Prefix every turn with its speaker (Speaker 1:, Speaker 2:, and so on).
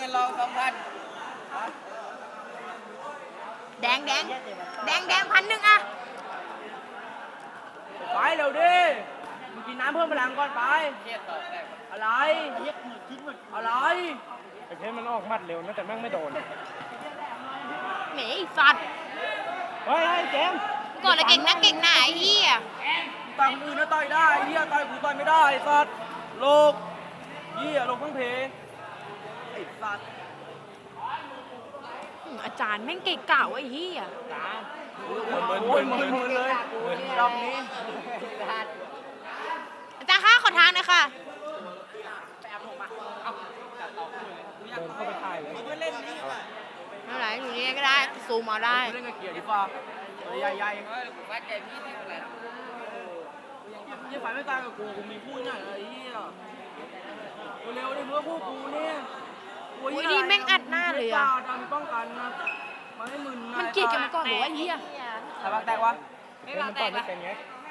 Speaker 1: นเรา2,000
Speaker 2: แดง1,000อะ
Speaker 3: ไปเร็วดิมึงกินน้ำเพิ่มพลังก่อนไปอะไรอะไรไอ้เพชรมันออกมัดเร็วนะแต่แม่งไม่โดน
Speaker 2: เหมยสัตว์
Speaker 3: เฮ้ยเจมส์
Speaker 2: ก่อนเลยเก่งนะไอ้เหี้ย
Speaker 3: ต่อยคนอื่นนะต่อยได้เฮียต่อยกูต่อยไม่ได้สัตว์โลกเฮียโลกทั้งเพไอ้สัตว์
Speaker 2: อาจารย์แม่งเก่งเก่าไอ้เหี้ย
Speaker 3: โอ้ยมึนเลยรอบนี้
Speaker 2: อาจารย์คะขอทางหน่อยค่ะ
Speaker 3: เดินเข้าไปถ่ายเลย
Speaker 2: ไม่เป็นไรอยู่นี่ก็ได้ซูมเอาได้
Speaker 3: เล่นกับเกียร์ดีฟ้าใหญ่ๆ
Speaker 1: วัดใจพี่ที่เท่าไหร่ล่ะ
Speaker 3: ยี่ฝ่ายไม่ตายกับกูมีพูดหน่อยไอ้เหี้ยเร็วๆดิเพื่อพวกกูเนี่ย
Speaker 2: อุ้ยนี่แม่งอัดหน้าเลยอะ
Speaker 3: ดันป้องกันนะมันให้มึน
Speaker 2: มันเกลียดกันมาก่อนหรือว่าไอ้เหี้ย
Speaker 3: ใครบ้างแตกวะ
Speaker 1: ไม่บางแตกละ
Speaker 3: เ